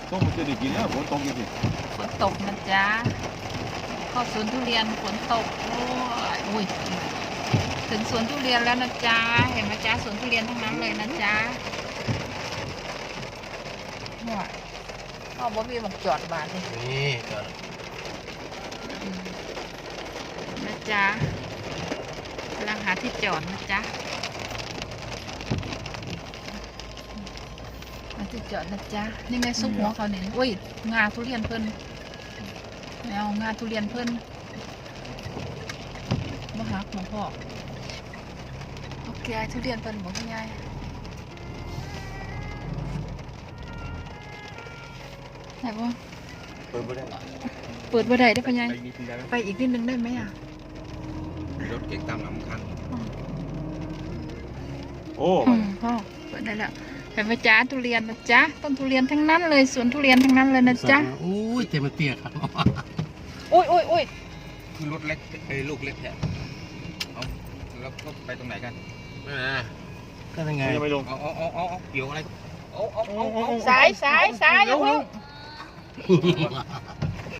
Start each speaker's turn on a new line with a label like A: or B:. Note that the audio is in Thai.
A: ต้องมันจะได้กินแล้วฝนตกจริง
B: ฝนตกนะจ๊ะเข้าสวนทุเรียนฝนตกโอ้ยอุ้ยถึงสวนทุเรียนแล้วนะจ๊ะเห็นไหมจ๊ะสวนทุเรียนทั้งนั้นเลยนะจ๊ะว้าเอาบ่มีบักจอดบาทเลย
C: นี่จอด
B: นะจ๊ะกำลังหาที่จอดนะจ๊ะหาที่จอดนะจ๊ะนี่ไงซุปหัวเขาเนี่ยอุ้ยงาทุเรียนเพิ่นเอางาทุเรียนเพิ่นมาหักหลวงพ่อโอเคทุเรียนเพิ่นบอกคุณยายไหนบ่
A: เปิดไม่ได้
B: เปิดบ่ได้ได้อพ่อยาย
A: ไปนิดนึงได้ไหม
B: ไปอีกนิดนึงได้ไหมอ่ะ
A: รถเก๋งตามหลังคันโอ้
B: พ่อเปิดได้แล้วเห็นไหมจ๊ะทุเรียนนะจ๊ะต้นทุเรียนทั้งนั้นเลยสวนทุเรียนทั้งนั้นเลยนะจ๊ะ
C: โอ้ยเต็มเตี้ยครับ
B: อุ้ยอุ้ยอุ้ย
A: คือรถเล็กไอ้ลูกเล็กแท้เอาแล้วก็ไปตรงไหนกัน
C: ก็ยังไง
A: ยังไม่ลงเอาเกี่ยวอะไรเอา
B: สายอย่าเพิ่ง